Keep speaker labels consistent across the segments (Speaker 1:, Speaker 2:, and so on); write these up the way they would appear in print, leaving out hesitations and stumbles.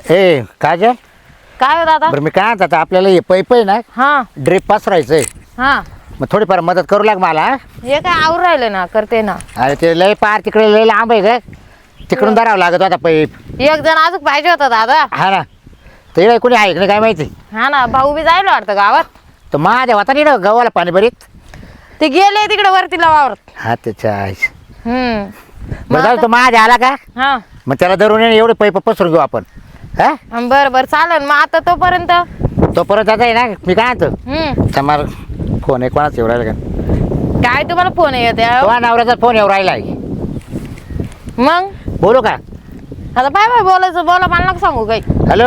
Speaker 1: ए काजल
Speaker 2: काय हो दादा?
Speaker 1: बरं मी काय म्हणतात आपल्याला हे पैप आहे ना
Speaker 2: हा
Speaker 1: ड्रिप पसरायचंय
Speaker 2: हा
Speaker 1: मग थोडीफार मदत करू लाग मला हा?
Speaker 2: हे काय आवर राहिलं ना करते ना.
Speaker 1: अरे ते लय पार तिकडे लय लांब आहे ग तिकडून धरावं लागत होता पैप
Speaker 2: एक जण अजून पाहिजे होता दादा.
Speaker 1: हा ना ते कोणी आहे की नाही काय माहिती
Speaker 2: हा ना भाऊ बी जायला वाटतं गावात.
Speaker 1: तर माझ्या होता नाही ना गव्हाला पाणी बरीत
Speaker 2: ते गेले तिकडे वरती वावरत.
Speaker 1: हा त्याच्या आईस.
Speaker 2: मग
Speaker 1: बरं जाऊ
Speaker 2: आता-
Speaker 1: तो माझ्या आला का
Speaker 2: हा
Speaker 1: मग त्याला धरून येणं एवढे पैप पसरून घेऊ आपण हा
Speaker 2: बरं बरं चालेल मग आता तोपर्यंत.
Speaker 1: तो परत आता आहे ना मी काय म्हणतो समोर फोन आहे कोणाच येऊ राहिला का
Speaker 2: काय तुम्हाला फोन येत
Speaker 1: तो नवऱ्याचा फोन येऊ राहिला
Speaker 2: मग
Speaker 1: बोलू का
Speaker 2: आता बाय बाय बोलायचं बोला मला नका सांगू काही.
Speaker 1: हॅलो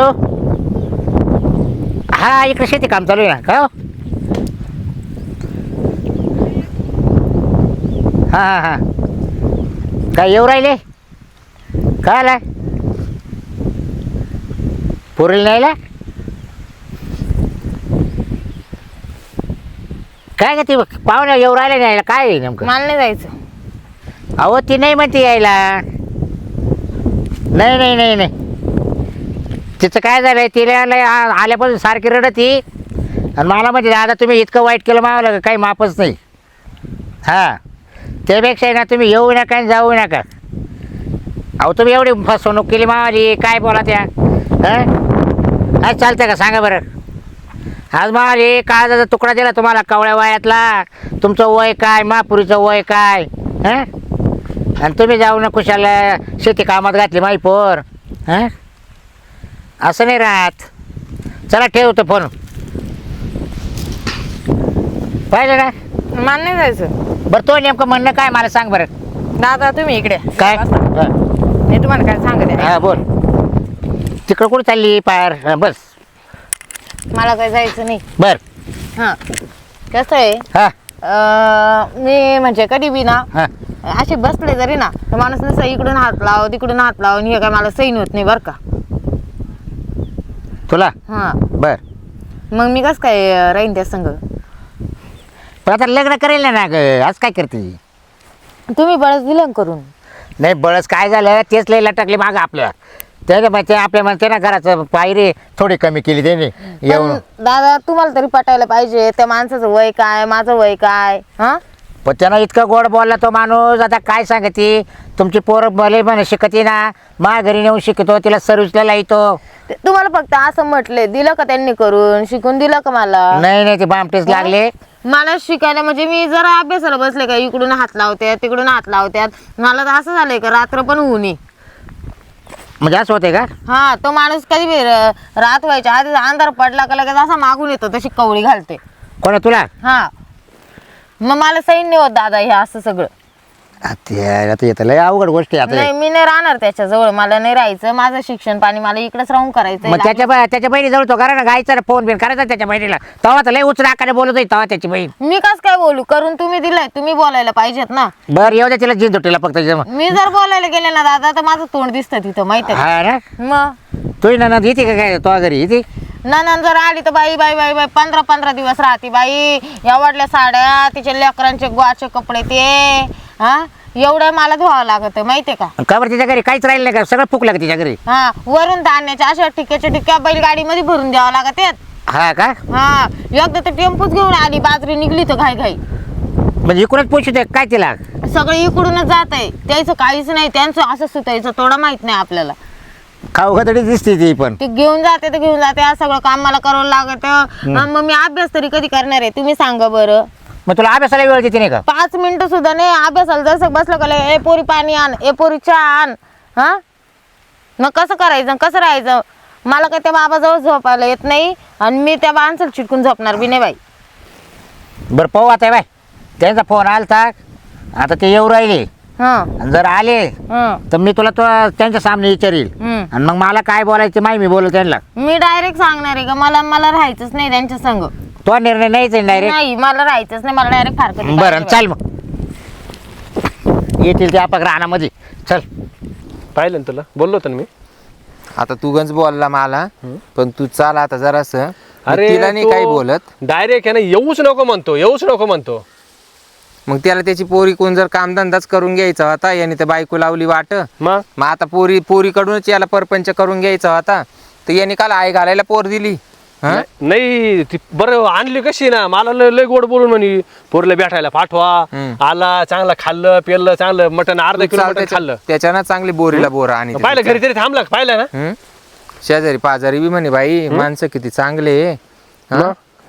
Speaker 1: हा इकडे शेती काम चालू आहे ना का हो? हा हा हा काय येऊ राहिले काय आला पुरेल न्यायला काय का ती पाहुण्या येऊ राहिले न्यायला काय आहे नेमकं
Speaker 2: मला नाही जायचं.
Speaker 1: अहो ती नाही म्हणते यायला नाही नाही नाही नाही तिचं काय झालंय तिला आल्यापासून सारखी रडती आणि मला म्हणजे दादा तुम्ही इतकं वाईट केलं मावलं काही मापच नाही हां त्यापेक्षा ना तुम्ही येऊ नका आणि जाऊ नका. अहो तुम्ही एवढी फसवणूक केली मावाली काय बोला त्या हां आज चालतं का सांगा बरं. आज मावाली काळजाचा तुकडा दिला तुम्हाला कवळ्या वयातला तुमचं वय काय महापुरीचं वय काय हां आणि तुम्ही जाऊ ना कुशाला शेती कामात घातली माही पोर हां असं नाही राहत. चला ठेवतो फोन पाहिलं ना.
Speaker 2: मला नाही जायचं.
Speaker 1: बरं तो नेमकं म्हणणं काय मला सांग बरं.
Speaker 2: दादा तुम्ही इकडे
Speaker 1: काय
Speaker 2: बसा. मी तुम्हाला काय सांगते
Speaker 1: हां बोल तिकडं कुठं चालली पार हां बस
Speaker 2: मला काय जायचं नाही.
Speaker 1: बर
Speaker 2: हा कसं आहे
Speaker 1: हां
Speaker 2: मी म्हणजे कधी बी ना
Speaker 1: हां
Speaker 2: असे बसले जरी ना तर माणूस नसं इकडून हात लाव तिकडून हात लाव आणि हे काय मला सैन होत नाही बरं का.
Speaker 1: तुला
Speaker 2: हा
Speaker 1: बर
Speaker 2: मग मी कसं काय राहीन त्या संग.
Speaker 1: पण आता लग्न करेल ना ग आज काय करते
Speaker 2: तुम्ही बळच दिलं करून.
Speaker 1: नाही बळच काय झालं तेच लय लटकले मागं आपलं त्याच्या मग ते आपल्या म्हणते ना घराचं पायरी थोडी कमी केली त्याने येऊन.
Speaker 2: पण दादा तुम्हाला तरी पटायला पाहिजे त्या माणसाचं वय काय माझं वय काय. हा
Speaker 1: पण त्यानं इतकं गोड बोलला तो माणूस आता काय सांगते तुमची पोरं भले म्हणे शिकते ना मा घरी नेऊन शिकतो तिला सर्व्हिसला लावतो.
Speaker 2: तुम्हाला फक्त असं म्हटले दिलं का त्यांनी करून शिकून दिलं का मला.
Speaker 1: नाही नाही ते बामटेच लागले.
Speaker 2: मला शिकायला म्हणजे मी जरा अभ्यासाला बसले का इकडून हात लावत्यात तिकडून हात लावत्यात मला तर असं झालंय का रात्र पण होऊ नये.
Speaker 1: म्हणजे असं होते का
Speaker 2: हा तो माणूस कधी बी रात व्हायच्या आधी अंधार पडला का लगेच असा मागून येतो तशी कवळी घालते.
Speaker 1: कोणा तुला
Speaker 2: हा मग मला सैन नाही होत दादा हे असं सगळं.
Speaker 1: आता येतं लय अवघड गोष्टी आता
Speaker 2: नाही मी नाही राहणार त्याच्याजवळ मला नाही राहायचं माझं शिक्षण पाणी मला इकडेच राहून करायचं.
Speaker 1: मग त्याच्या बहिणीजवळ तो करा ना गायचा फोन बिन करायचा त्याच्या बहिणीला तेव्हा तर लय उचल आकाने बोलत होती तेव्हा त्याची बहीण.
Speaker 2: मी कस काय बोलू करून तुम्ही दिलंय तुम्ही बोलायला पाहिजेत ना.
Speaker 1: बरं येऊ दे तिला जिंद तुला फक्त
Speaker 2: मी जर बोलायला गेले ना दादा तर माझं तोंड दिसतं तिथं माहिती आहे
Speaker 1: हा ना
Speaker 2: का? मग
Speaker 1: तुही ना येते का काय तो घरी येते
Speaker 2: नंतर जर आली तर बाई बाई बाई बाई 15 दिवस राहते बाई एवढल्या साड्या तिच्या लेकरांचे गोवाचे कपडे ते हा एवढं मला धुवावं लागत माहितीये का.
Speaker 1: का बरं तिच्या घरी काहीच राहिलं नाही का सगळं फुकलं का तिच्या घरी.
Speaker 2: हा वरून धान्याच्या अशा ठिक्क्या बैलगाडीमध्ये भरून द्यावं लागत आहेत.
Speaker 1: हा का
Speaker 2: हा एकदा तर टेम्पोच घेऊन आली बाजरी निघली तर घाई घाई
Speaker 1: म्हणजे इकडूनच पोचू काय तिला.
Speaker 2: सगळं इकडूनच जात आहे त्याचं काहीच नाही त्यांचं असं सुतायचं थोडं माहित नाही आपल्याला.
Speaker 1: खाऊ तरी दिसते ती पण
Speaker 2: ते घेऊन जाते तर घेऊन जाते आज सगळं काम मला करावं लागत. मग मी अभ्यास तरी कधी करणार आहे तुम्ही सांगा बरं.
Speaker 1: मग तुला अभ्यासाला वेळ देते नाही का
Speaker 2: 5 मिनिटं सुद्धा नाही अभ्यासाला जसं बसलं का ए पोरी पाणी आण ए पोरी चहा आण. हा मग कसं करायचं कसं राहायचं मला काय त्या बाबाजवळ झोपायला येत नाही आणि मी त्या माणसाला चिटकून झोपणार बी नाही बाई.
Speaker 1: बरं पाहू आता बाय त्यांचा फोन आलता आता ते येऊ राहिले
Speaker 2: हा
Speaker 1: आणि जर आले तर मी तुला त्यांच्या सामने विचारील आणि मग मला काय बोलायचं माहिती मी बोलू त्यांना.
Speaker 2: मी डायरेक्ट सांगणार आहे का मला राहायचंच नाही त्यांच्या संग.
Speaker 1: तो निर्णय नाहीच डायरेक्ट
Speaker 2: नाही मला राहायचंच नाही मला डायरेक्ट फारकत.
Speaker 1: बरं चल मग येतील ते आपण रानामध्ये चल.
Speaker 3: पाहिलं ना तुला बोललो होतो ना मी.
Speaker 4: आता तू गंज बोलला मला पण तू चाल आता जरासं.
Speaker 3: अरे
Speaker 4: तिला नाही काही बोलत
Speaker 3: डायरेक्ट आहे ना येऊच नको म्हणतो.
Speaker 4: मग त्याला त्याची पोरी कोण जर कामधंदाच करून घ्यायचा होता याने तर बायको लावली वाट.
Speaker 3: मग
Speaker 4: आता पोरीकडूनच याला परपंच करून घ्यायचा होता तर यांनी काल आई घालायला पोर दिली हा?
Speaker 3: नाही ती बरं आणली कशी ना मला लय लय गोड बोलून म्हणे पोरला भेटायला पाठवा. आला चांगलं खाल्लं पेरलं चांगलं मटण अर्धा किलो मटण खाल्लं.
Speaker 4: त्याच्यानं चांगली बोरीला बोर आणि
Speaker 3: पाहिलं घरी तरी थांबला का? पाहिलं ना
Speaker 4: शेजारी पाजारी बी म्हणे बाई माणसं किती चांगले हा?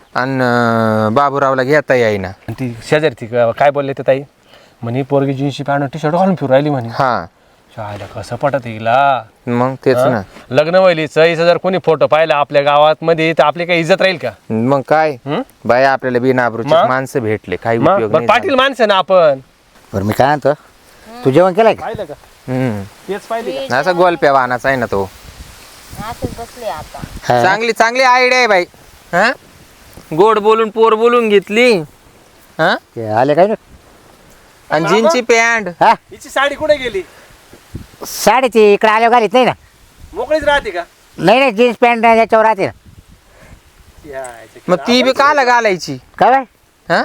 Speaker 4: आणि बाबूरावला घेता येईना.
Speaker 3: आणि ती शेजारी ती काय बोलले ते ताई म्हणे पोरगी जीन्सची पॅन्ट टी शर्ट घालून फिरू राहिली म्हणे.
Speaker 4: हा
Speaker 3: शाळेला कसं पटत हिला.
Speaker 4: मग तेच ना.
Speaker 3: लग्न व्हायलीच जर कोणी फोटो पाहिला आपल्या गावात मध्ये तर आपली काही इज्जत राहील का?
Speaker 4: मग काय बाई आपल्याला बिनाबरूचे
Speaker 3: मग?
Speaker 4: माणसं भेटले काही
Speaker 3: मग
Speaker 4: उपयोग
Speaker 3: बरं,
Speaker 4: नाही
Speaker 3: पाटील माणसं ना आपण.
Speaker 1: बरं मी काय म्हणतो तू जेवण केलंय का?
Speaker 3: पाहिलं का?
Speaker 4: हम्म.
Speaker 3: तेच पाहिजे.
Speaker 4: असा गोलप्या वाहनाचा आहे ना तो.
Speaker 2: असंच बसले आता.
Speaker 1: हा.
Speaker 4: चांगली चांगली आयडिया आहे बाई हा गोड बोलून पोर बोलून घेतली हा
Speaker 1: ते आले काय ना
Speaker 4: आणि जीनची पॅन्ट
Speaker 1: हा
Speaker 3: हिची साडी कुठे गेली?
Speaker 1: साडी ती इकडे आल्यावर घालीत नाही ना.
Speaker 3: मोकळीच राहते का?
Speaker 1: नाही जीन्स पॅन्ट याच्यावर राहते ना.
Speaker 4: मग ती बी काला घालायची
Speaker 1: काय बाय?
Speaker 4: हा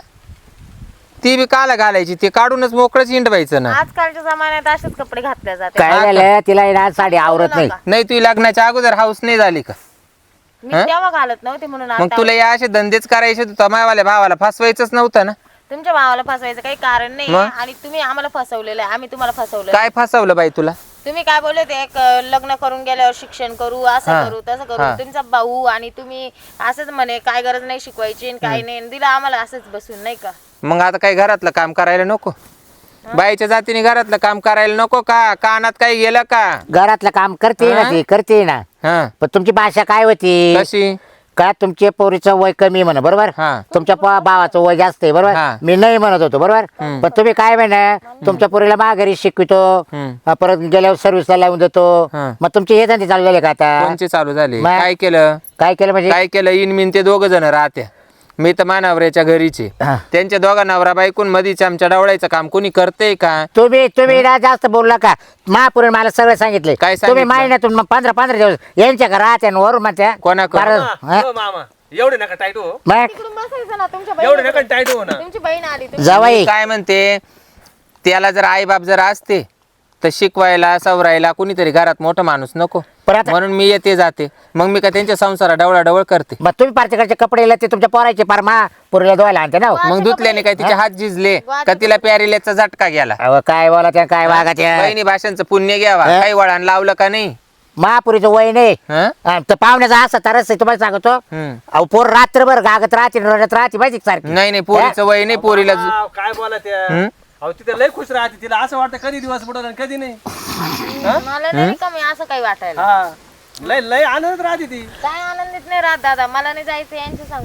Speaker 4: ती बी काला घालायची ते काढूनच मोकळंच हिंडवायचं ना.
Speaker 2: आजकालच्या जमान्यात असेच कपडे घातले जाते.
Speaker 1: काय झालं तिला आहे ना साडी आवरत नाही.
Speaker 4: नाही तुझी लग्नाच्या अगोदर हाऊस नाही झाली का?
Speaker 2: मी तेव्हा घालत नव्हते म्हणून
Speaker 4: मग
Speaker 2: आता
Speaker 4: तुला या असे धंदेच करायचे तर मायवाल्या भावाला फसवायचंच नव्हतं ना.
Speaker 2: तुमच्या भावाला फसवायचं काही कारण नाही
Speaker 4: मग?
Speaker 2: आणि तुम्ही आम्हाला फसवलेलं आहे, आम्ही तुम्हाला फसवलं.
Speaker 4: काय फसवलं बाई तुला?
Speaker 2: तुम्ही काय बोलले ते एक लग्न करून गेल्यावर शिक्षण करू असं करू तसं करू. तुमचा भाऊ आणि तुम्ही असंच म्हणे काय गरज नाही शिकवायची आणि काही नाही दिला आम्हाला असंच बसून नाही का.
Speaker 4: मग आता काही घरातलं काम करायला नको? बाईच्या जातीने घरातलं काम करायला नको का? कानात काही गेलं का?
Speaker 1: घरातलं काम करते ना ती करते ना.
Speaker 4: हा
Speaker 1: पण तुमची भाषा काय होती
Speaker 4: कशी?
Speaker 1: का तुमच्या पोरीचं वय कमी म्हणा बरोबर.
Speaker 4: हा.
Speaker 1: तुमच्या भावाचं वय जास्त आहे बरोबर.
Speaker 4: हा.
Speaker 1: मी नाही म्हणत होतो बरोबर. पण तुम्ही काय म्हणा तुमच्या पोरीला माघारी शिकवितो परत गेल्यावर सर्व्हिसला लावून देतो.
Speaker 4: हा.
Speaker 1: मग तुमचे हे धंदे चालू झाले का आता?
Speaker 4: कोणचे चालू झाले?
Speaker 1: मग?
Speaker 4: काय केलं?
Speaker 1: काय केलं म्हणजे?
Speaker 4: काय केलं? इनमिन ते दोघ जण राहत्या. मी तर मानवऱ्याच्या घरीचे.
Speaker 1: हा.
Speaker 4: त्यांच्या दोघा नवरा बायकून मधीच आमच्या डावळायचं काम कोणी करते का?
Speaker 1: तुम्ही ना जास्त बोलला का? महापुरे मला सगळं सांगितले.
Speaker 4: काय
Speaker 1: तुम्ही
Speaker 4: सांगितलं?
Speaker 1: महिन्यातून मग 15 दिवस यांच्या का राहत्या आणि वरून म्हणत्या
Speaker 4: कोणाकडं?
Speaker 1: हा?
Speaker 3: मामा एवढे नका टाईट हो.
Speaker 1: मग
Speaker 2: तिकडून बसायचं ना तुमच्या
Speaker 3: एवढे
Speaker 2: बहिणी.
Speaker 3: नका टाईट हो ना.
Speaker 2: तुमची बहीण आली
Speaker 1: जावाई
Speaker 4: काय म्हणते त्याला जर आई बाप जर असते तर शिकवायला सवरायला कुणीतरी घरात मोठा माणूस नको
Speaker 1: पण आता-
Speaker 4: म्हणून मी येते जाते. मग मी का त्यांच्या संसारा डवळा करते?
Speaker 1: मग तुम्ही पारतीकडचे कपडे ते तुमच्या पोरायचे पार पुरीला धुवायला आणते ना हो.
Speaker 4: मग धुतल्याने काय तिचे हात झिजले का? तिला प्यारिल्याचा झटका गेला?
Speaker 1: अहो, काय बोला त्या काय वागा त्या
Speaker 4: बहिणी भाषांचं पुण्य घ्यावा.
Speaker 1: हा?
Speaker 4: काही वळण लावलं का नाही?
Speaker 1: महापुरीचं वय नाही.
Speaker 4: हा?
Speaker 1: तर पाहुण्याचा असा तरच आहे, तुम्हाला सांगतो.
Speaker 4: हम्म.
Speaker 1: अहो पोर रात्रभर गागत राहते रडत राहते माहिती का सारखी.
Speaker 4: नाही नाही पोरीचं वय नाही. पोरीला
Speaker 3: वाव, काय बोला त्या अहो तिथे लय खुश राहते. तिला असं वाटतं कधी दिवस बुडवला आणि कधी नाही.
Speaker 2: मला नाही कमी असं काही वाटायला.
Speaker 3: हा लय लय आनंदात राहते ती.
Speaker 2: काय आनंदित नाही राहत दादा. मला नाही जायचं यांच्या संग.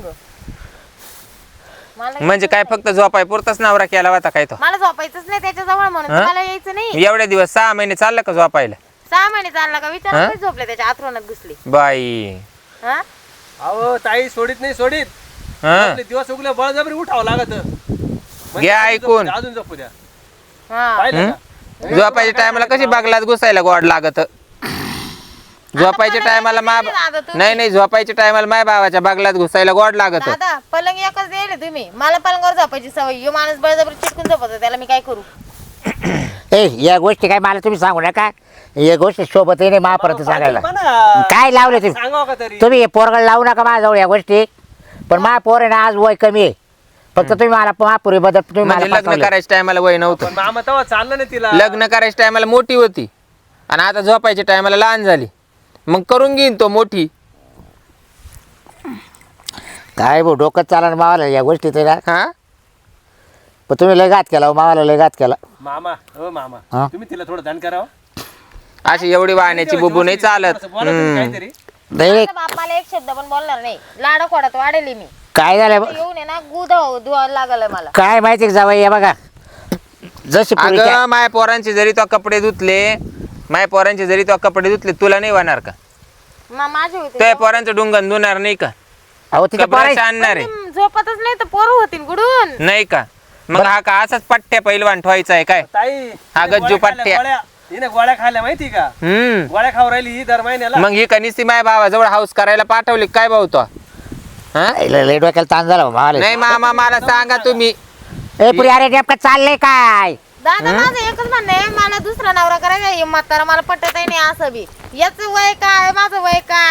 Speaker 2: मला
Speaker 4: म्हणजे काय फक्त झोपाय पुरताच नवरा केला होता काय तो?
Speaker 2: मला झोपायचंच नाही त्याच्याजवळ म्हणून तर मला यायचं नाही.
Speaker 4: एवढ्या दिवस 6 महिने चाललं का झोपायला?
Speaker 2: 6 महिने चालला का विचार झोपले त्याच्या आथरोनात घुसली.
Speaker 4: बाई
Speaker 2: हा
Speaker 3: अहो ताई सोडित नाही सोडित.
Speaker 4: हा
Speaker 3: आपले दिवस उगले बळजबरी उठावं लागत.
Speaker 4: घ्या ऐकून.
Speaker 3: अजून झोपू द्या.
Speaker 2: हा
Speaker 3: पाहिलं का?
Speaker 4: झोपायच्या टायमाला कशी बागलात घुसायला गोड लागत? झोपायच्या टायमाला नाही झोपायच्या टायमाला माय भावाच्या बागलात घुसायला गोड लागत.
Speaker 2: दादा पलंग एकच दिले तुम्ही. मला पलंगावर झोपायची सवय. यो माणूस बळजबरी चिटकून झोपतो त्याला मी काय करू?
Speaker 1: या गोष्टी काय मला तुम्ही सांगू नका. या गोष्टी सोबत नाही महापर्यंत सांगायला.
Speaker 3: म्हणा.
Speaker 1: काय लावले तुम्ही?
Speaker 3: सांगावं का तरी.
Speaker 1: तुम्ही हे पोरगड लावू नका माझ्याजवळ या गोष्टी. पण महापोर आहे ना आज वय कमी आहे. फक्त तुम्ही मला महापुरी बद्दल तुम्ही
Speaker 4: म्हणजे
Speaker 1: मला
Speaker 4: लग्न
Speaker 1: फसवलं.
Speaker 4: करायच्या टायमाला वय नव्हतं.
Speaker 3: पण मामा तेव्हा चाललं नाही तिला.
Speaker 4: लग्न करायच्या टायमाला मोठी होती आणि आता झोपायच्या टायमाला लहान झाली. मग करून घेईन तो मोठी.
Speaker 1: काय भाऊ डोकं चालणार मावाला या गोष्टी तर.
Speaker 4: हा
Speaker 1: पण तुम्ही लय घात केला हो, मावाला लय घात केला.
Speaker 3: मामा हो मामा
Speaker 1: हा?
Speaker 3: तुम्ही तिला थोडं ध्यान करावं.
Speaker 4: अशी एवढी वाहण्याची बुबू नाही चालत.
Speaker 3: थोडंसं बोला तुम्ही काहीतरी.
Speaker 1: नाही
Speaker 2: माझा बाप मला एक शब्द पण बोलणार नाही. लाडा खोडात वाढेल मी.
Speaker 1: काय झालं
Speaker 2: येऊन आहे ना धुवायला लागलं मला.
Speaker 1: काय माहिती जावई हे बघा जशी पोरी त्या-
Speaker 4: अगं माय पोरांचे जरी तो कपडे धुतले तुला नाही वाहणार का?
Speaker 2: माझे होते
Speaker 4: त्या पोरांचं डुंगण धुणार नाही का?
Speaker 1: अहो तिच्या
Speaker 4: कपड्याचं
Speaker 1: पोरायचं
Speaker 4: आणणार आहे
Speaker 2: झोपतच नाही तर पोरं होतील गुडून.
Speaker 4: नाही का? मग हा का असाच पट्ट्या पहिलवान ठेवायचा आहे काय?
Speaker 3: ताई
Speaker 4: हा
Speaker 3: हिने
Speaker 4: गज्जू
Speaker 3: गोळ्या खाल्ल्या,
Speaker 4: पट्ट्या.
Speaker 3: गोळ्या. हिने गोळ्या खाल्ल्या माहिती का? गोळ्या खाऊ राहिली ही दर महिन्याला.
Speaker 4: मग ही कनिस्ती माय भावाजवळ हाऊस करायला पाठवली काय भाऊ तो? हा?
Speaker 1: लय डोक्याला ताण झाला मावाला.
Speaker 4: नाही मामा मला सांगा तुम्ही.
Speaker 1: ए पुरी अरे नेमकं चाललंय काय?
Speaker 2: दादा माझं एकच म्हणणं आहे मला दुसरा नवरा करायचा. हे म्हातारा मला पटत नाही असं बी. याच वय काय माझं वय काय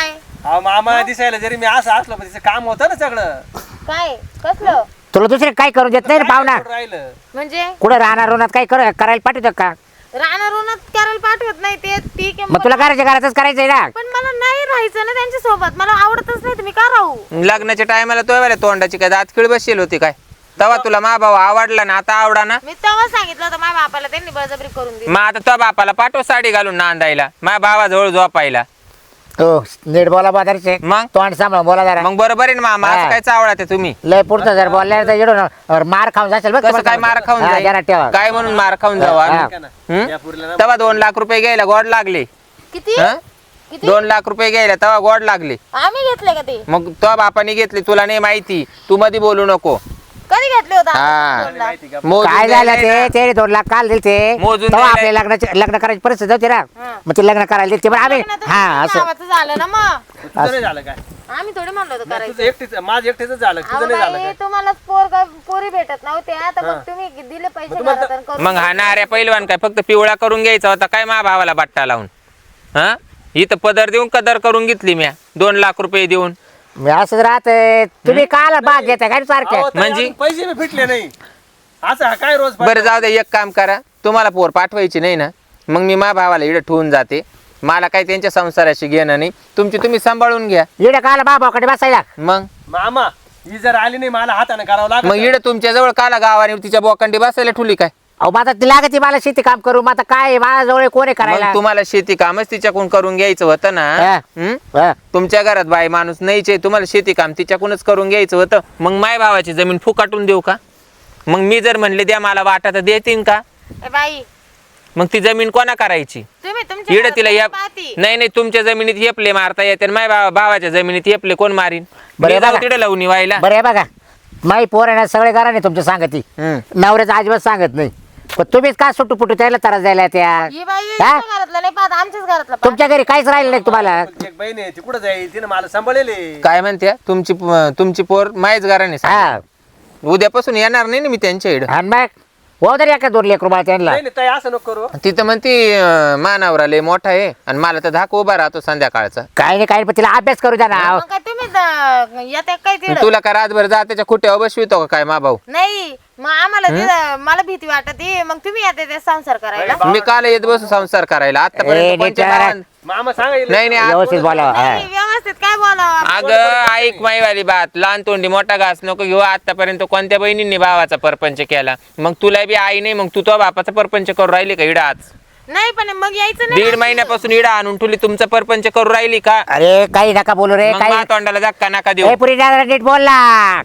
Speaker 3: अहो मामा दिसायला जरी मी असं असलो पण तिचं काम होतं ना सगळं.
Speaker 2: काय कसलं
Speaker 1: तुला दुसरे काय करू देत नाही रे पाहुणा.
Speaker 3: कुठं राहिलं
Speaker 2: म्हणजे
Speaker 1: कुठं राहणार उन्हात काय करायला पाठवतो का?
Speaker 2: राहणार उन्हात करायला पाठवत नाही ते ठीक आहे
Speaker 1: मग तुला घराच्या घरातच करायचंय ना.
Speaker 2: पण मला नाही राहायचं ना त्यांच्या सोबत मला आवडतच नाही तुम्ही का राहू
Speaker 4: लग्नाच्या टायमाला तो वाल्या तोंडाची काय दातखिळ बसली होती काय? तेव्हा तुला मा भाऊ आवडला ना, आता आवडा ना.
Speaker 2: मी तेव्हा सांगितलं होतं माझ्या बापाला त्यांनी बळजबरी करून दिली
Speaker 4: मग आता तो बापाला पाठव साडी घालून नांदायला, माझ्या भावाजवळ झोपायला.
Speaker 1: हो नीट बोला बाजारचे.
Speaker 4: मग
Speaker 1: तोंड सांभाळ बोला जरा.
Speaker 4: मग बरोबर आहे ना मामा, असं
Speaker 1: हा.
Speaker 4: काय चावळा ते तुम्ही?
Speaker 1: लय पुढचं जर बोलल्या तर येडून मार खाऊन जाशील बघ.
Speaker 4: कसं काय मार खाऊन
Speaker 1: हा, जरा
Speaker 4: जाईल?
Speaker 1: ठेवा.
Speaker 4: काय म्हणून मार खाऊन जाऊ
Speaker 1: हा.
Speaker 4: आम्ही?
Speaker 3: का ना?
Speaker 4: हं?
Speaker 3: या पुरीला ना
Speaker 4: तेव्हा 2 लाख रुपये घ्यायला गोड लागले.
Speaker 2: किती
Speaker 4: हं?
Speaker 2: किती
Speaker 4: 2 लाख रुपये घ्यायला तेव्हा गोड लागले.
Speaker 2: आम्ही घेतले का ते
Speaker 4: मग तो बापाने घेतले, तुला नाही माहिती, तू मध्ये बोलू नको.
Speaker 2: कधी घेतले होते
Speaker 4: हा.
Speaker 2: दोन लाख?
Speaker 3: माहिती का?
Speaker 4: मोजून
Speaker 1: काय झालं
Speaker 4: द्यायला
Speaker 1: ते 2 लाख काल दिले ते
Speaker 4: मोजून
Speaker 1: तेव्हा
Speaker 4: द्यायला-
Speaker 1: आपल्या लग्न करायची परिस्थिती होती ना.
Speaker 2: हा.
Speaker 1: मग ते लग्न करायला दिले ते पण आम्ही
Speaker 2: लग्न तर
Speaker 1: हा
Speaker 2: तुमच्या
Speaker 1: असं
Speaker 2: गावाचं झालं ना मग
Speaker 3: तुझं नाही झालं काय?
Speaker 2: आम्ही थोडी म्हणलो होतं
Speaker 3: नाही,
Speaker 2: करायचं
Speaker 3: तुझं एकटीच माझं एकटीच झालं,
Speaker 2: अहो
Speaker 3: तुझं नाही झालं
Speaker 2: बाई,
Speaker 3: काय?
Speaker 2: तुम्हाला पोरी भेटत नव्हत्या तर मग तुम्ही दिले पैसे
Speaker 3: मग तुम्हाला-
Speaker 2: घरात आणि करून
Speaker 4: मग हा नाऱ्या पैलवान काय फक्त पिवळा करून घ्यायचा होता काय मा भावाला बट्टा लावून? हा, इथं पदर देऊन कदर करून घेतली म्या 2 लाख रुपये देऊन.
Speaker 1: मी असंच राहत. तुम्ही काल भाग घेता काय सारखे
Speaker 3: अहो, ताई,
Speaker 4: म्हणजे?
Speaker 3: अजून पैसे बी फिटले नाही. असं हा काय रोज
Speaker 4: बरं जाऊ दे, एक काम करा, तुम्हाला पोर पाठवायची नाही ना, मग मी मा भावाला इकडे ठेवून जाते. मला काही त्यांच्या संसाराशी घेणं नाही, तुमची तुम्ही सांभाळून घ्या.
Speaker 1: इकडे काल बाबाकडे बसायला.
Speaker 4: मग
Speaker 3: मामा ही जर आली नाही मला हाताने करावं लागत.
Speaker 4: मग इकडे तुमच्या जवळ काला गावाने तिच्या बोकांडी बसायला ठुली काय?
Speaker 1: अहो मग आता ती लागते मला शेती काम करू. मग आता काय माझ्याजवळ कोण आहे करायला?
Speaker 4: मग तुम्हाला शेती कामच तिच्याकडून करून घ्यायचं होतं ना.
Speaker 1: हा.
Speaker 4: हं?
Speaker 1: हा.
Speaker 4: तुमच्या घरात बाई माणूस नाहीच आहे, तुम्हाला शेती काम तिच्याकडूनच करून घ्यायचं होतं. मग माय भावाची जमीन फुकाटून देऊ का? मग मी जर म्हणले द्या मला वाटा तर देतील का?
Speaker 2: ए बाई
Speaker 4: मग ती जमीन कोणा करायची?
Speaker 2: तुम्ही तुमच्या
Speaker 4: इकडे तिला
Speaker 2: घरात
Speaker 4: या
Speaker 2: पाहती.
Speaker 4: नाही नाही, तुमच्या जमिनीत येपले मारता येते, माय भावाच्या जमिनीत येपले कोण मारीन?
Speaker 1: बरं,
Speaker 4: मी जाऊ
Speaker 1: बघा.
Speaker 4: तिकडे लावून व्हायला.
Speaker 1: बरं आहे बघा, माई पोर आहे ना सगळे घरा नाही तुमच्या सांगती.
Speaker 4: हं.
Speaker 1: नवऱ्याचं अजिबात सांगत नाही. पण तुम्हीच का सुटू पुटू त्याला त्रास द्यायला त्या.
Speaker 2: ही बाई
Speaker 1: हा?
Speaker 2: यांच्या घरातलं नाही पाहत आमच्याच घरातलं पाहत.
Speaker 1: तुमच्या घरी काहीच राहिलं नाही तुम्हाला.
Speaker 3: एक बहीण आहे ती कुठं जाईल, तिने मला सांभाळले.
Speaker 4: काय म्हणते तुमची पोर मायच घराने
Speaker 1: हा
Speaker 4: उद्यापासून येणार नाही ना मी त्यांच्या इकडं.
Speaker 1: आणि मग हो तरी एका 2 लेकरू बाळ त्यांना.
Speaker 3: नाही नाही ताई, असं नको करू.
Speaker 4: तिथं म्हणती मानावरा लय मोठा आहे आणि मला तर धाक उभा राहतो संध्याकाळचा.
Speaker 1: काही नाही काही पण तिला अभ्यास करू द्या ना.
Speaker 2: मग काय तुम्ही येते काय तिकडं
Speaker 4: तुला का रातभर जा त्याच्या खुट्यावर बसवितो का काय मा भाऊ?
Speaker 2: नाही मग आम्हाला मला भीती वाटत मग तुम्ही येते ते संसार करायला
Speaker 4: मी काल येत बसू संसार करायला
Speaker 1: ए,
Speaker 4: आतापर्यंत
Speaker 1: नीट
Speaker 4: कोणत्या
Speaker 1: जरा-
Speaker 4: गावात-
Speaker 3: मामा सांगायला
Speaker 4: नाही नाही
Speaker 1: व्यवस्थित बोला.
Speaker 2: नाही, व्यवस्थित काय बोलावं
Speaker 4: अगं ऐक माईवाली बात, लहान तोंडी मोठा घास नको घेऊ. आतापर्यंत कोणत्या बहिणींनी भावाचा परपंच केला? मग तुला बी आई नाही, मग तू तो बापाचा परपंच करू राहिली का इडा? आज
Speaker 2: नाही पण मग यायचं नाही
Speaker 4: 1.5 महिन्यापासून इडा आणून ठुली तुमचा परपंच करू राहिली का?
Speaker 1: अरे काही नका बोलू रे.
Speaker 4: मग
Speaker 1: काही
Speaker 4: मा तोंडाला धक्का नका देऊ.
Speaker 1: ए, पुरी जरा नीट बोलला.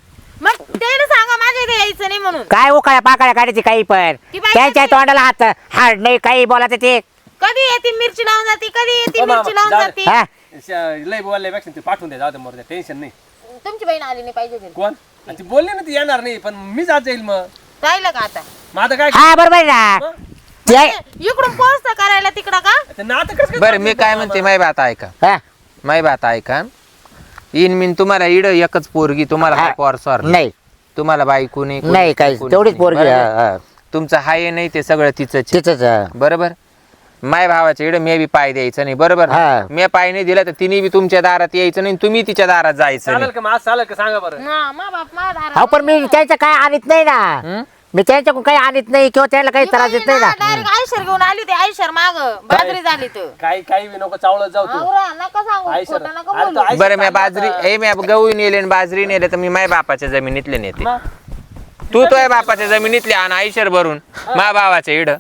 Speaker 2: मग त्याला सांगा माझ्या इथे यायचं नाही म्हणून
Speaker 1: काय उकाळ्या पाकाळ्या काढायची काही पण.
Speaker 2: ती बाई
Speaker 1: त्यांच्या
Speaker 2: कशी?
Speaker 1: तोंडाला हाड नाही काही बोलायचं ते.
Speaker 2: कधी येते मिरची लावून जाते कधी येते
Speaker 3: ओ मामा,
Speaker 2: मिरची लावून
Speaker 3: जाऊ
Speaker 2: जाते
Speaker 1: हा
Speaker 3: लय बोलल्यापेक्षा ते पाठवून द्या, जाऊ दे मोरद्या, टेन्शन नाही.
Speaker 2: तुमची बहीण आली नाही पाहिजे घरी.
Speaker 3: कोण? आणि ती बोलली ना ती येणार नाही, पण मी जात जाईल. मग
Speaker 2: राहिलं का आता
Speaker 3: मग आता काय?
Speaker 1: हा बरोबर आहे ना.
Speaker 3: मग?
Speaker 1: ते-
Speaker 2: इकडून पोहोचता करायला तिकडं का
Speaker 3: आता नातं कसं काय
Speaker 4: बरं मी
Speaker 3: चालतं
Speaker 4: काय
Speaker 3: मामा?
Speaker 4: म्हणते माय बात ऐका,
Speaker 1: हा,
Speaker 4: माय बात ऐका. इन मिन तुम्हाला इड एकच पोरगी, तुम्हाला
Speaker 1: हा.
Speaker 4: काय पोर स्वार
Speaker 1: नाही
Speaker 4: तुम्हाला बायको नाही, कोणी
Speaker 1: नाही काही
Speaker 4: कोणी
Speaker 1: तेवढीच
Speaker 4: नाही.
Speaker 1: पोरगी.
Speaker 4: बरोबर?
Speaker 1: हा, हा.
Speaker 4: तुमचं हाय नाही ते सगळं तिचंच आहे.
Speaker 1: तिचंच हा.
Speaker 4: बरोबर. माय भावाच्या इकडे मी बी पाय द्यायचं नाही. बरोबर
Speaker 1: हा.
Speaker 4: मी पाय नाही दिला तर तिने बी तुमच्या दारात यायचं नाही, तुम्ही तिच्या दारात जायचं
Speaker 3: चालेल
Speaker 4: नाही.
Speaker 3: का? मग आज चालेल का सांगा बरं.
Speaker 2: हा, मा बाप मा दारात
Speaker 1: हो पण मी त्यांचं काय आणत नाही ना.
Speaker 4: हं?
Speaker 1: मी त्यांच्याकडून काही आणत नाही किंवा त्याला काही त्रास देत नाही ना.
Speaker 2: डायरेक्ट आयशर घेऊन आली होती आयशर माग बाजरी झाली तर
Speaker 3: काही बी नको चावळत जाऊ तू.
Speaker 2: आवरा, नका सांगू
Speaker 3: आयशर.
Speaker 2: खोटं नका
Speaker 3: अरे तो
Speaker 2: बोलू.
Speaker 3: आयशर
Speaker 4: बरं मी
Speaker 3: चालला
Speaker 4: बाजरी
Speaker 3: होता.
Speaker 4: मी गहू नेले आणि बाजरी नेले तर मी माय बापाच्या जमिनीतले नेते.
Speaker 3: मग?
Speaker 4: तू तो बापाच्या जमिनीतले आण आईशर भरून मा भावाच्या इड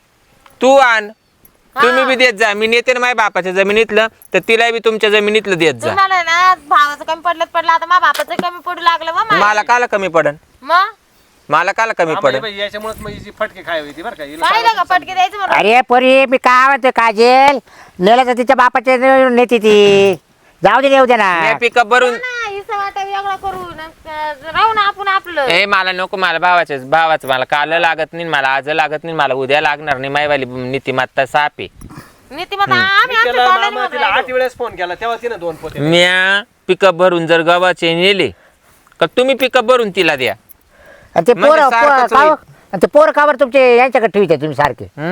Speaker 4: तू आण. तुम्ही बी देत जा. मी नेते ना माझ्या बापाच्या जमिनीतलं तर तिला बी तुमच्या जमिनीतलं देत जा.
Speaker 2: तुम्हाला ना भावाचं कमी पडलं आता मा बापाचं कमी पडू लागलं मग
Speaker 4: मला काला कमी पडन?
Speaker 2: मग
Speaker 4: मला काला कमी
Speaker 3: आम्हाला
Speaker 4: पडन?
Speaker 3: बाई याच्यामुळेच मग हिची फटके खाय होती बरं का. हिला
Speaker 2: पाहिलं का पटके द्यायचं म्हणून
Speaker 1: अरे परी मी काय म्हणतो काजेल नेलं तर तिच्या बापाच्या नेते ती. जाऊ दे येऊ दे ना.
Speaker 4: मी पिकअप भरून
Speaker 2: हिस्सा वाटा वेगळा करू राहू ना आपण आपलं
Speaker 4: ए मला नको, मला भावाचं मला काल लागत नाही, मला आज लागत नाही, मला उद्या लागणार नाही. मायवाली नीतिमत्ता साप आहे.
Speaker 2: नीतिमत्ता आम्ही आमच्या
Speaker 3: केला
Speaker 2: तोंडाने
Speaker 3: मामा,
Speaker 2: म्हणून
Speaker 3: तिला
Speaker 2: राहिलो.
Speaker 3: 8 वेळेस फोन केला तेव्हा तिने 2 पोते.
Speaker 4: म्या पिकअप भरून जर गव्हाचे नेले का तुम्ही पिकअप भरून तिला द्या.
Speaker 1: आणि ते
Speaker 4: म्हणजे
Speaker 1: पोरं
Speaker 4: सारखंच
Speaker 1: का
Speaker 4: होईल.
Speaker 1: आणि ते पोरं कावर तुमचे यांच्याकडे ठेवते तुम्ही सारखे.
Speaker 4: हं?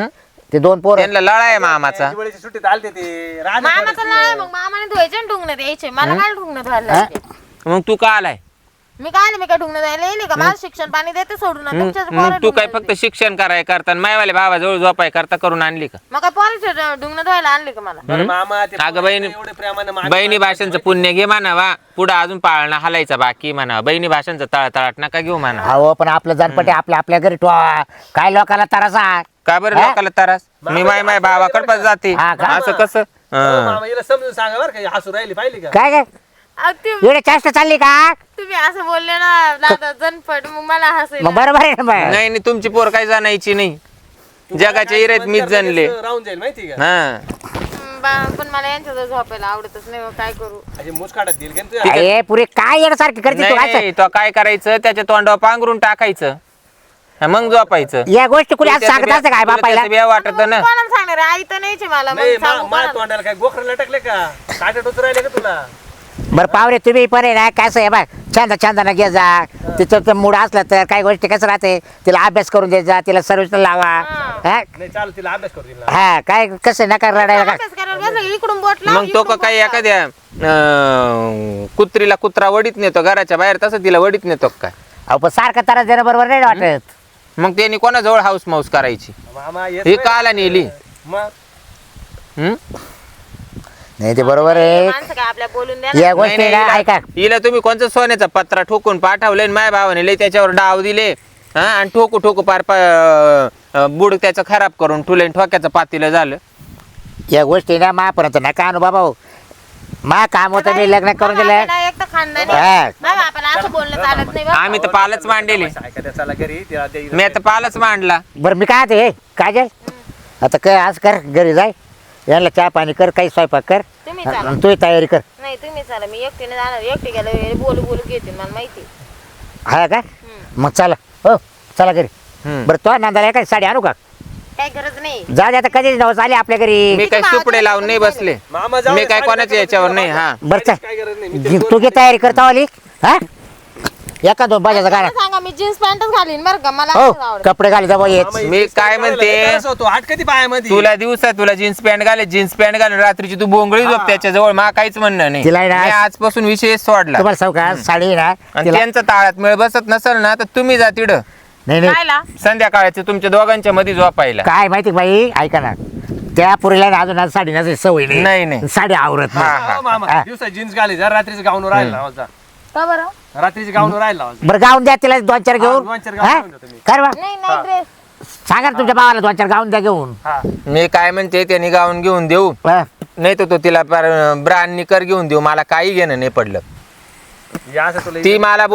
Speaker 1: ते 2 पोरं
Speaker 4: त्यांना लळा आहे मामाचा.
Speaker 3: दिवाळीच्या सुट्टीत आलते ते राहणार
Speaker 2: मामाचं नाही मग मामाने धुवायचे आणि ढुंगणं द्यायचे मला काय ढुंगणं धुवायला
Speaker 1: हा?
Speaker 2: लागते?
Speaker 4: मग तू का आलाय?
Speaker 2: मी काय ढुंगणं द्यायला येईल का माझं शिक्षण पाणी देते सोडून तुमच्याच
Speaker 4: मग
Speaker 2: पोरं
Speaker 4: तू काय
Speaker 2: ढुंगणं
Speaker 4: फक्त शिक्षण कराय करता मायवाले भावाजवळ झोपाय करता करून आणली का?
Speaker 2: मग काय पोराचे ढुंगणं धुवायला आणले का मला
Speaker 3: बरं मामा ते
Speaker 4: अगं बहिणी
Speaker 3: एवढे प्रेमाने मान-
Speaker 4: बहिणी भाषांचं पुण्य घे म्हणावा, पुढं अजून पाळणा हलायचा बाकी म्हणावा. बहिणी भाषांचं तळतळाट नका घेऊ म्हणा.
Speaker 1: अहो पण आपलं जानपटे आपल्या घरी ठेवा. काय लोकांना तरासा
Speaker 4: का बरं
Speaker 1: हा?
Speaker 4: लोकाला त्रास? मी माय भावाकडे पण जाते
Speaker 1: हा का?
Speaker 4: असं कसं?
Speaker 3: हो, मामा हिला समजून सांगा बरं का हसू राहिली पाहिली का?
Speaker 1: काय काय
Speaker 2: अहो,
Speaker 1: एवढे चेष्टा चालली का?
Speaker 2: तुम्ही असं बोलले ना दादा जनपट मग मला हसायला
Speaker 1: मग बरोबर आहे ना मग.
Speaker 4: नाही नाही तुमची पोर काही जाणायची नाही. जगाच्या इरेत मीच जनले.
Speaker 3: राहून जाईल माहिती का?
Speaker 4: हा
Speaker 2: पण मला यांच्याजवळ झोपायला आवडतच नाही मग काय करू
Speaker 3: अशी मुसकाटात देईल का तू?
Speaker 1: अरे पुरे काय येण्यासारखी करते तू
Speaker 4: नाही,
Speaker 1: असं?
Speaker 4: नाही, तो काय करायचं त्याच्या तोंडावर पांघरून टाकायचं, हा, मग झोपायचं.
Speaker 1: या गोष्टी कुणी असं सांगत असतं काय बापायला?
Speaker 4: वाटत ना.
Speaker 2: कोणाला सांगणार आहे? आई तर नाहीच आहे मला मग
Speaker 3: नाही
Speaker 2: सांगू
Speaker 3: मा
Speaker 2: कोणाला?
Speaker 3: तोंडाला काय गोखर लटकले का? काटे टोच राहिले का तुला?
Speaker 1: बरं पावरे तुम्ही पण आहे ना कसं आहे बघ छंदानं घे जा. तिचं मूड असला तर काही गोष्टी कसं राहते तिला अभ्यास करून द्यायचा जा, तिला सर्विस लावा. हा?
Speaker 3: नाही चाल तिला अभ्यास करू दिला.
Speaker 1: हा काय कसं नका रडायला का?
Speaker 2: अभ्यास करायला बसलं की इकडून बोट लाव,
Speaker 4: मग तो
Speaker 2: इकडून
Speaker 4: का काही
Speaker 2: बोट लाव.
Speaker 4: एखाद्या कुत्रीला कुत्रा वडीत नेतो घराच्या बाहेर, तसं तिला वडीत नेतो का काय?
Speaker 1: अहो पण सारखा त्रास देणं बरोबर नाही वाटत.
Speaker 4: मग त्यांनी कोणाजवळ हाऊस माऊस करायची?
Speaker 3: मामा येत
Speaker 4: ही
Speaker 3: नाही.
Speaker 4: काला नेली.
Speaker 3: मग
Speaker 4: हम्म?
Speaker 1: नाही ते बरोबर आहे.
Speaker 2: माणसं काय आपल्या बोलून द्या
Speaker 1: या
Speaker 2: ना.
Speaker 1: गोष्टी
Speaker 4: नाही,
Speaker 1: ना
Speaker 4: नाही,
Speaker 1: ऐका
Speaker 4: हिला तुम्ही कोणतं सोन्याचा पत्रा ठोकून पाठवले माय भावाने लय त्याच्यावर डाव दिले, हा, आणि ठोकू ठोकू पार बुड त्याचं खराब करून ठुले, ठोक्याचं पातीलं झालं.
Speaker 1: या गोष्टी ना मापर्यंत नका अनु बाबा हो. मा काम होतं मी लग्न करून
Speaker 2: बाबा
Speaker 1: दिलं.
Speaker 2: आपल्याला एक तर खानदानी
Speaker 1: हा.
Speaker 2: बाबा आपल्याला असं बोलणं चालत नाही बरं.
Speaker 4: आम्ही तर पालच मांडलेले.
Speaker 3: ऐका त्या चला घरी तिला ते-
Speaker 4: मी आता पालच मांडला.
Speaker 1: बरं मी काय ते काजल आता काय आज कर घरी जाय यांना चहा पाणी कर काही स्वयंपाक कर
Speaker 2: तुम्ही चाला.
Speaker 1: आणि तू तयारी कर.
Speaker 2: नाही तुम्ही चला मी एकटीने जाणार एकटी गेलं बोलू घेते मला माहिती
Speaker 1: हा का मग चला हो चला घरी.
Speaker 4: हम्म.
Speaker 1: बरं तो नांदाला काय साडी आणू का?
Speaker 2: काय गरज नाही
Speaker 1: जा दे आता कधी नवस आले आपल्या घरी.
Speaker 4: मी काय सुपडे लावून नाही बसले.
Speaker 3: मामा जाऊ
Speaker 4: मी
Speaker 3: दे,
Speaker 4: काय
Speaker 3: साडी
Speaker 4: कोणाच्या
Speaker 3: नका
Speaker 4: याच्यावर
Speaker 3: बदलू
Speaker 4: नाही.
Speaker 3: बाबा.
Speaker 4: हा
Speaker 1: बरं
Speaker 3: काय गरज नाही. मी ते
Speaker 1: चल
Speaker 3: दोन
Speaker 1: तू घे तयारी करता वाली हा एका दोन बाजाचा गाडा
Speaker 2: मला सांगा मी जीन्स पॅन्टच घालीन बरं का मला
Speaker 1: हो
Speaker 2: असंच आवडतं.
Speaker 1: कपडे घाली जा येत.
Speaker 3: मामा,
Speaker 4: मी
Speaker 3: इथे
Speaker 4: काय
Speaker 3: करायला
Speaker 4: म्हणते?
Speaker 3: लय त्रास होतो. हात कधी पायामध्ये
Speaker 4: तुला दिवसा तुला जीन्स पॅन्ट घाले जीन्स पॅन्ट घालून रात्रीची तू बोंगळी झोप त्याच्याजवळ मा काहीच म्हणणं नाही.
Speaker 1: तिला आहे ना-
Speaker 4: मी आजपासून विषय सोडला.
Speaker 1: तुम्हाला सांगू का साडी आहे ना
Speaker 4: आणि
Speaker 1: तिला
Speaker 4: त्यांचा ताळात मेळ बसत नसेल ना तर तुम्ही जा तिकडं
Speaker 1: नाही नाही
Speaker 2: खायला
Speaker 4: संध्याकाळचे तुमच्या दोघांच्या मध्ये झोपायला.
Speaker 1: काय माहिती का बाई ऐका ना त्या पुरीला ना अजून आज साडी नसेल सवय
Speaker 4: नाही, नाही.
Speaker 1: साडी आवरत
Speaker 4: हा,
Speaker 1: नाही.
Speaker 4: हा.
Speaker 3: हो, मामा
Speaker 1: हा.
Speaker 3: दिवसा जीन्स घाली जर रात्रीचं गाऊन राहिला लावा जा.
Speaker 2: का बरं
Speaker 3: रात्रीचं गाऊन राहिला लावा जा.
Speaker 1: बरं गाऊन द्या तिला 2-4 घेऊन
Speaker 3: दोन चार गाऊन
Speaker 1: हा?
Speaker 3: घेऊन द्या तुम्ही.
Speaker 1: कर बा
Speaker 2: नाही नाही ड्रेस
Speaker 1: सांगा ना तुमच्या भावाला 2-4 गाऊन द्या घेऊन
Speaker 3: हा
Speaker 4: मी काय म्हणते त्यांनी गाऊन घेऊन देऊ
Speaker 1: हा.
Speaker 4: नाही तर तो तिला ब्रांड निकर घेऊन देऊ. मला काही घेणं नाही पडलं.
Speaker 3: हे असं तुला
Speaker 4: ती मला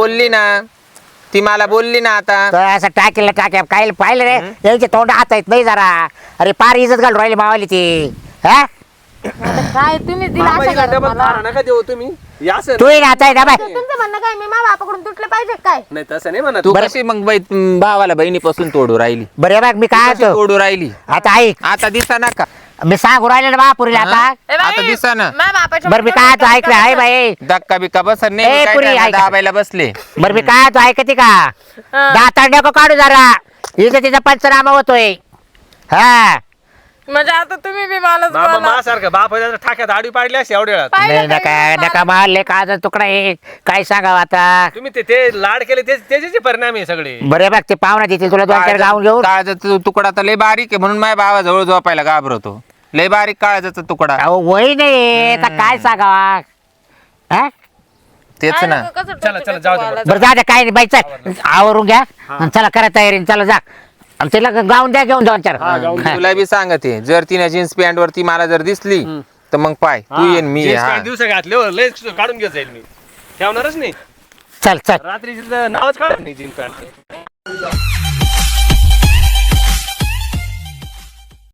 Speaker 4: बोलली ना आता
Speaker 1: तर असं टाक्या काय पाहिलं रे यांचे तोंड हात आहेत नाही जरा. अरे पार इज्जत घालून राहिली मावाली ती हा
Speaker 2: आता काय तुम्ही दिला
Speaker 3: मामा
Speaker 2: असं
Speaker 3: हिला
Speaker 2: करा
Speaker 3: डबल
Speaker 2: मला.
Speaker 3: मारा नका देऊ तुम्ही. हे असं
Speaker 1: तू ना आता आहे ना बाय
Speaker 2: तुमचं म्हणणं काय मी मा बापाकडून तुटले पाहिजे काय
Speaker 3: नाही तसं नाही म्हणत.
Speaker 4: तू कशी मग भावाला बहिणीपासून तोडू राहिली?
Speaker 1: बरं बघ मी काय
Speaker 4: कशी
Speaker 1: म्हणतो
Speaker 4: तोडू राहिली?
Speaker 1: आता ऐक
Speaker 4: आता दिसा ना का?
Speaker 1: मी सांगू राहिले ना महापुरीला
Speaker 4: हा?
Speaker 1: आता
Speaker 2: ए बाई,
Speaker 4: आता दिसा ना.
Speaker 2: मा बापाच्या
Speaker 1: बरं मी काय म्हणतो ऐक रे हाय बाई
Speaker 4: धक्का बिक्का बसत
Speaker 1: ए,
Speaker 4: नाही.
Speaker 1: पुरी,
Speaker 4: काय
Speaker 1: ऐका.
Speaker 4: दाबायला बसले.
Speaker 1: बरं मी काय म्हणतो ऐकते का दाताड नको काढू जरा इथं तिचा पंचनामा होतोय हा
Speaker 2: म्हणजे आता तुम्ही बी मलाच
Speaker 3: मामा
Speaker 2: बोला.
Speaker 3: मासारखं बाप ठाक्यात आडवी पाडली अशी एवढ्या वेळात.
Speaker 2: पाहिलं
Speaker 1: नाही
Speaker 2: काय
Speaker 1: नका
Speaker 2: मी
Speaker 1: नका मारले का तुकडा आहे काय सांगावं आता
Speaker 3: तुम्ही ते लाड केले त्याचे परिणाम आहे सगळे.
Speaker 1: बरे बघ ते पाहुणा देतील तुला 2-4 गाऊन घेऊन
Speaker 4: काळजाचा तुकडा तर लय बारीक आहे म्हणून माझ्या भावाजवळ झोपायला घाबरतो. लय बारीक काळजाचा तुकडा.
Speaker 1: अहो वय नाही आता काय सांगावा हा
Speaker 4: तेच
Speaker 2: काय
Speaker 4: ना.
Speaker 2: नको, कसं
Speaker 3: चला,
Speaker 2: टोचू
Speaker 3: जाऊ दे
Speaker 2: टोचू
Speaker 3: बरं.
Speaker 1: बरं जा द्या काय नाही बाई चल आवरून घ्या आणि चला करा तयारी चला जा आणि तिला गाऊन द्या घेऊन 2-4 हा.
Speaker 4: तुला बी सांगते जर तिने जीन्स पॅन्ट वरती मला जर दिसली तर मग पाय तू येईन मी
Speaker 3: जीन्स
Speaker 4: हा.
Speaker 3: पॅन्ट दिवसा घातले हो, लय काढून घेत जाईल मी. ठेवणारच नाही
Speaker 1: चल
Speaker 3: रात्रीचं नावच काढत नाही जीन्स पॅन्ट.